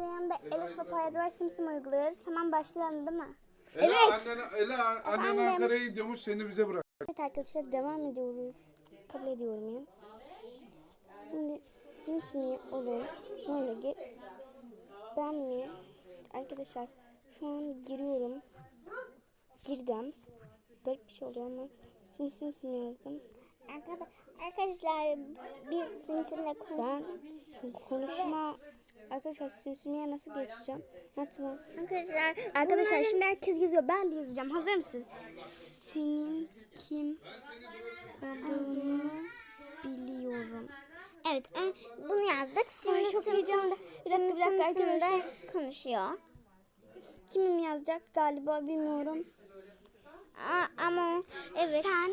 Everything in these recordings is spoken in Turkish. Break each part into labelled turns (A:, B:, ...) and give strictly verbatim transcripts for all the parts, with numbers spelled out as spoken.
A: yanında Elif ve Poyraz var, simsim uyguluyoruz. Hemen başlayalım değil mi?
B: Ela,
A: Evet.
B: Annen, Ela, annen
A: Efendim?
B: Ankara'ya gidiyormuş, seni bize bırak.
A: Evet arkadaşlar, devam ediyoruz. Kabul ediyorum ya. Şimdi simsimi olur. Sonra gir. Ben mi? Arkadaşlar şu an giriyorum. Girdim. Garip bir şey oluyor ama. Şimdi simsim yazdım.
C: Arkadaşlar biz simsimle konuştuk.
A: Ben konuşma... Arkadaşlar simsimiye nasıl geçeceğim? Ha, tamam.
C: Arkadaşlar,
A: Arkadaşlar
C: bunların...
A: şimdi herkes yazıyor. Ben de yazacağım. Hazır mısınız? Senin kim olduğunu biliyorum.
C: Evet, bunu yazdık. Şimdi
A: Ay, çok heyecanlı. Bir dakika, bir dakika arkadaşlar.
C: konuşuyor.
A: Kimim yazacak galiba bilmiyorum.
C: Aa, ama evet.
A: Sen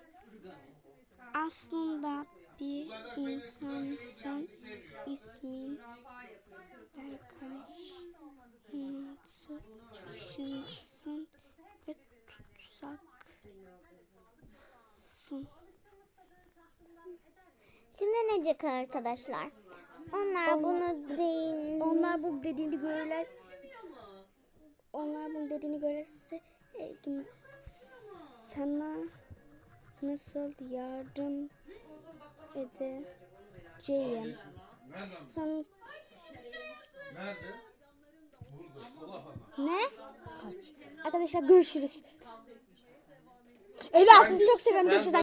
A: aslında bir insansın. İsmin Berkay. Nasıl düşünsün ve tutsaksın.
C: Şimdi ne diyecek arkadaşlar? Onlar,
A: Onlar-
C: bunu değil.
A: Onlar bu dediğini görürler. Onlar bunu dediğini görürse e, sana nasıl yardım edeceğim? Sen
B: Nerede? Burada.
A: ne? Kaç. Arkadaşlar görüşürüz. Ela sizi çok seviyorum. Görüşürüz.